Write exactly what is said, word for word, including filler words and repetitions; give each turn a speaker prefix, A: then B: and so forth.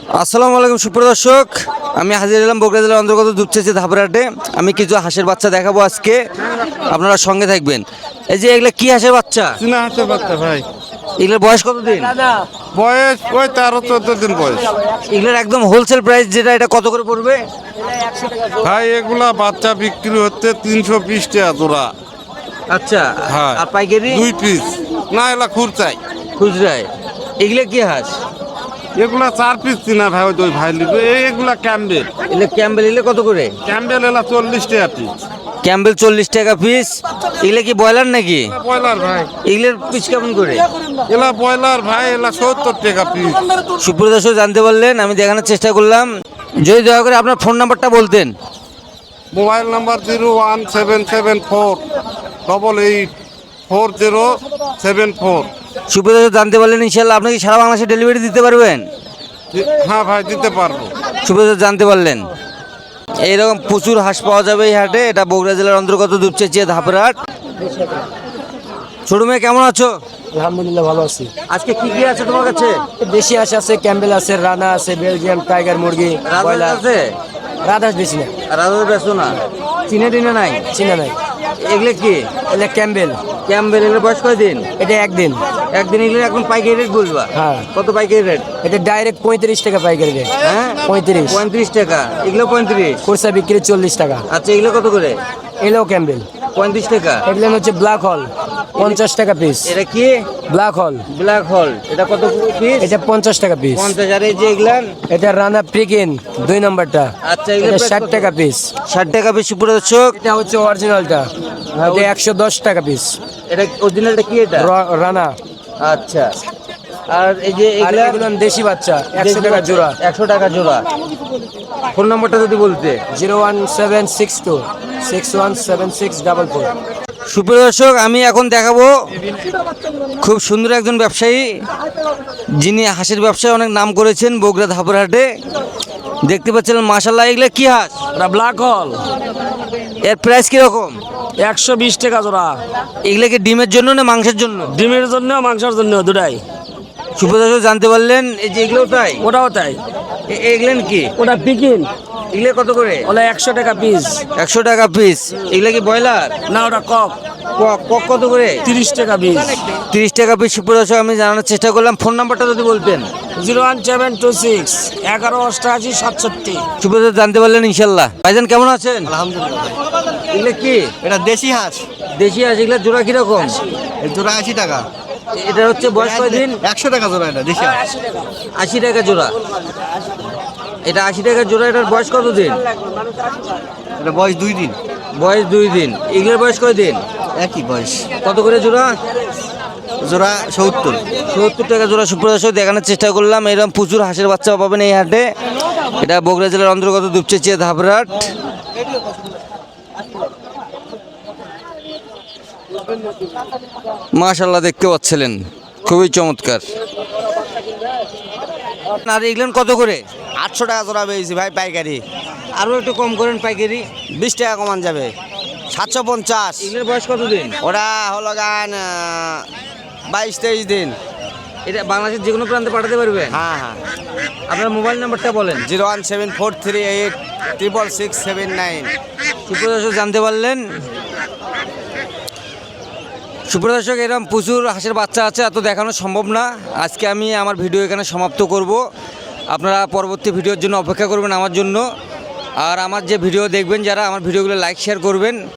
A: আসসালামু আলাইকুম সুপ্রদর্শক, আমি হাজির হলাম বগুড়া জেলার অন্তর্গত দুপচাঁচি ধাপরাটে। আমি কিছু হাঁসের বাচ্চা দেখাবো আজকে, আপনারা সঙ্গে থাকবেন। এই যে এগুলা কি হাঁসের বাচ্চা?
B: চীনা হাঁসের বাচ্চা ভাই,
A: এগুলোর বয়স কত দিন?
B: বয়স ওই তেরো চোদ্দ দিন বয়স।
A: এগুলোর একদম হোলসেল প্রাইস যেটা, এটা কত করে পড়বে?
B: ভাই এগুলা বাচ্চা বিক্রি হচ্ছে তিনশো বিশ টাকা জোড়া।
A: আচ্ছা,
B: হ্যাঁ
A: আর পাইকারি?
B: দুই পিস না, এগুলা খুরচাই।
A: খুচরায় এগুলো কি হাঁস?
B: এগুলা চার পিস চীনা ভাই, ওই দুই ভাই লিখবে। এগুলা ক্যাম্বেল।
A: এগুলো ক্যাম্বেল, এগুলো কত করে?
B: ক্যাম্বেল এলা চল্লিশ টাকা পিস।
A: ক্যাম্বেল চল্লিশ টাকা পিস। এগুলো কি ব্রয়লার নাকি?
B: ব্রয়লার ভাই,
A: এগুলোর পিস কেমন করে?
B: এলা ব্রয়লার ভাই, এলা সত্তর টাকা পিস।
A: সুপ্রদর্শক জানতে পারলেন, আমি দেখানোর চেষ্টা করলাম। যদি দয়া করে আপনার ফোন নাম্বারটা বলতেন।
B: Mobile number zero one seven seven four double eight four zero seven four.
A: সুপ্রদর্শক জানতে পারলেন, ইনশাল্লাহ আপনি কি সারা বাংলাদেশে ডেলিভারি দিতে পারবেন?
B: হ্যাঁ ভাই, দিতে পারবো।
A: সুপ্রদর্শক জানতে পারলেন, এইরকম প্রচুর হাঁস পাওয়া যাবে এই হাটে। এটা বগুড়া জেলার অন্তর্গত দুপচাঁচি ধাপরাট। ছোট মেয়ে কেমন আছো?
C: আলহামদুলিল্লাহ ভালো আছি।
A: আজকে কি কি আছে তোমার কাছে?
C: দেশি হাঁস আছে, ক্যাম্বেল আছে, রানা আছে, বেলজিয়াম টাইগার মুরগি,
A: রাজহাঁস
C: ব্রয়লার
A: আছে?
C: রাজহাঁস বেশি না,
A: রাজহাঁস বেছো না? চিনে টিনে নাই?
C: চিনা নাই।
A: এগুলো কি?
C: এটা ক্যাম্বেল,
A: ক্যাম্বেল। এগুলো বয়স কয়দিন?
C: এটা একদিন।
A: একদিন। এগুলো এখন পাইকারি রেট বলবা?
C: হ্যাঁ।
A: কত পাইকারি রেট?
C: এটা ডাইরেক্ট পঁয়ত্রিশ টাকা পাইকারি রেট।
A: হ্যাঁ,
C: পঁয়ত্রিশ।
A: পঁয়ত্রিশ টাকা। এগুলো পঁয়ত্রিশ।
C: খুচরা বিক্রি চল্লিশ টাকা।
A: আচ্ছা, এগুলো কত করে?
C: এলো ক্যাম্বেল
A: পঁয়ত্রিশ টাকা।
C: এগুলো হচ্ছে ব্ল্যাক হল, পঞ্চাশ টাকা পিস।
A: এটা কি?
C: ব্ল্যাক হল,
A: ব্ল্যাক হল। এটা কত পিস?
C: এটা পঞ্চাশ টাকা পিস।
A: পঞ্চাশ। আর এই যে এগুলান?
C: এটা রানা প্রিকিন দুই নম্বরটা,
A: আচ্ছা, এগুলো
C: এটা ষাট টাকা পিস।
A: ষাট টাকা পিস। সুপ্রদর্শক,
C: এটা হচ্ছে অরিজিনালটা, এটা একশো দশ টাকা পিস।
A: এটা অরিজিনালটা কি এটা?
C: রানা।
A: আচ্ছা, আর এই যে
C: আর
A: এগুলা?
C: এগুলো দেশি বাচ্চা, একশো টাকা জোড়া।
A: একশো টাকা জোড়া। ফোন নাম্বারটা যদি বলতে।
C: Zero one seven six two six one seven six double four.
A: সুপ্রিয় দর্শক, আমি এখন দেখাবো খুব সুন্দর একজন ব্যবসায়ী, যিনি হাঁসের ব্যবসায় অনেক নাম করেছেন বগুড়া ধাপরহাটে। দেখতে পাচ্ছিলেন মাশাল্লাহ। এগুলো কি হাঁস?
C: ব্ল্যাক হল,
A: এর প্রাইস কিরকম?
C: একশো বিশ টাকা জোড়া।
A: এগুলো কি ডিমের জন্য না মাংসের জন্য?
C: ডিমের জন্য, মাংসের জন্য, দুটাই।
A: সুপ্রিয় দর্শক জানতে পারলেন, এই যে এগুলো তাই?
C: ওটাও তাই।
A: এ- এগুলেন কি?
C: ওটা পিকিন,
A: এগুলো কত করে?
C: ওটা একশো টাকা পিস।
A: একশো টাকা পিস। এগুলো কি ব্রয়লার?
C: না, ওটা কক,
A: কক। কক কত করে?
C: তিরিশ টাকা পিস।
A: তিরিশ টাকা পিস। সুপ্রিয় দর্শক, আমি জানানোর চেষ্টা করলাম। ফোন নাম্বারটা যদি বলতেন।
C: Zero one seven two six এগারো অষ্টআশি সাতষট্টি।
A: সুপ্রিয় দর্শক জানতে পারলেন ইনশাল্লাহ। ভাইজান কেমন আছেন?
D: আলহামদুলিল্লাহ।
A: এগুলো কি?
D: এটা দেশি হাঁস,
A: দেশি হাঁস। এগুলো জোড়া কিরকম?
D: এই জোড়া আশি টাকা।
A: এটা হচ্ছে বয়স কয়দিন?
D: একশো টাকা জোড়া এটা দেশি হাঁস।
A: আশি টাকা জোড়া। এটা আশি টাকা জোড়া। এটার বয়স কত দিন?
D: এটা বয়স দুই দিন।
A: বয়স দুই দিন। এগুলোর বয়স কয়দিন?
D: একই বয়স।
A: কত করে জোড়া?
D: জোড়া সত্তর।
A: সত্তর টাকা জোড়া। সুপ্রদর্শক দেখানোর চেষ্টা করলাম। এরকম প্রচুর হাঁসের বাচ্চা পাবেন এই হাটে। এটা বগুড়া জেলার অন্তর্গত দুপচাঁচি ধাপরাট। মাশাআল্লাহ, দেখতে পাচ্ছিলেন, খুবই চমৎকার। আর এগুলো কত করে?
D: আটশো টাকা জোড়া পেয়েছি ভাই পাইকারি।
A: আরও একটু কম করেন পাইকারি।
D: বিশ টাকা কমান যাবে, সাতশো পঞ্চাশ।
A: এগুলোর বয়স কত দিন?
D: ওটা হলো গান বাইশ তেইশ দিন।
A: এটা বাংলাদেশের যে কোনো প্রান্তে পাঠাতে পারবেন?
D: হ্যাঁ হ্যাঁ।
A: আপনার মোবাইল নাম্বারটা বলেন।
D: Zero one seven four three eight triple six seven nine.
A: সুপ্রদর্শক জানতে পারলেন। সুপ্রদর্শক, এরকম প্রচুর হাঁসের বাচ্চা আছে, এত দেখানো সম্ভব না। আজকে আমি আমার ভিডিও এখানে সমাপ্ত করব। আপনারা পরবর্তী ভিডিওর জন্য অপেক্ষা করবেন আমার জন্য। আর আমার যে ভিডিও দেখবেন যারা, আমার ভিডিওগুলো লাইক শেয়ার করবেন।